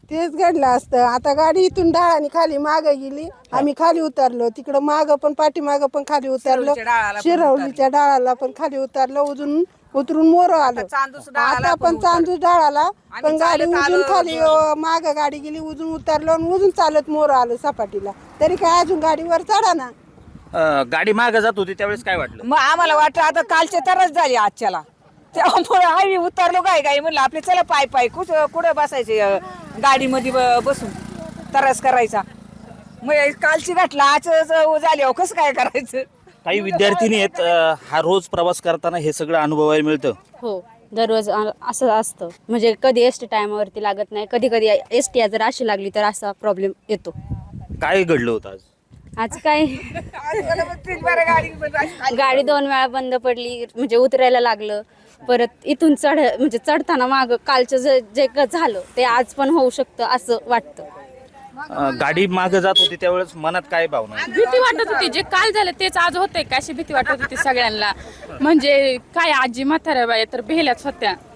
तेच घडलं असतं. आता गाडी इथून डाळाने खाली मागे गेली, आम्ही खाली उतरलो. तिकडं मागं पण पाठीमागं पण खाली उतरलो. शिरवलीच्या डाळाला पण खाली उतरलो. उतरून मोर आलो. आता पण चांदूस डाळाला पण गाडी उजून खाली मागं गाडी गेली, उजून उतरलो आणि उजून चालत मोर आलो सपाटीला. तरी काय अजून गाडीवर चढा ना. गाडी मागे जात होती त्यावेळेस काय वाटलं? मग आम्हाला वाटलं आता कालचे तरच झाली आजच्याला. त्यामुळे आम्ही उतरलो काय म्हणलं आपले चला पाय पाय कुठं बसायचे गाडीमध्ये बसून तरस करायचा. मग कालची घटला आज झाली अहो कसं काय करायचं. काही विद्यार्थिनी आहेत, हा रोज प्रवास करताना हे सगळं अनुभवायला मिळतं. हो, दररोज असं असतं. म्हणजे कधी एस टी टायमावरती लागत नाही, कधी कधी एस टी जर अशी लागली तर असा प्रॉब्लेम येतो. काय घडलं होतं आज? आज काय गाडी 2 वेळा बंद पडली, म्हणजे उतरायला लागलं. परत इथून म्हणजे चढताना माग कालचं जे झालं ते आज पण होऊ शकतं असं वाटतं. गाडी मागे जात होती त्यावेळेस मनात काय भावना? भीती वाटत होती. जे काल झालं तेच आज होतंय का अशी भीती वाटत होती सगळ्यांना. म्हणजे काय आजी म्हाताऱ्या बाया तर भेल्याच होत्या.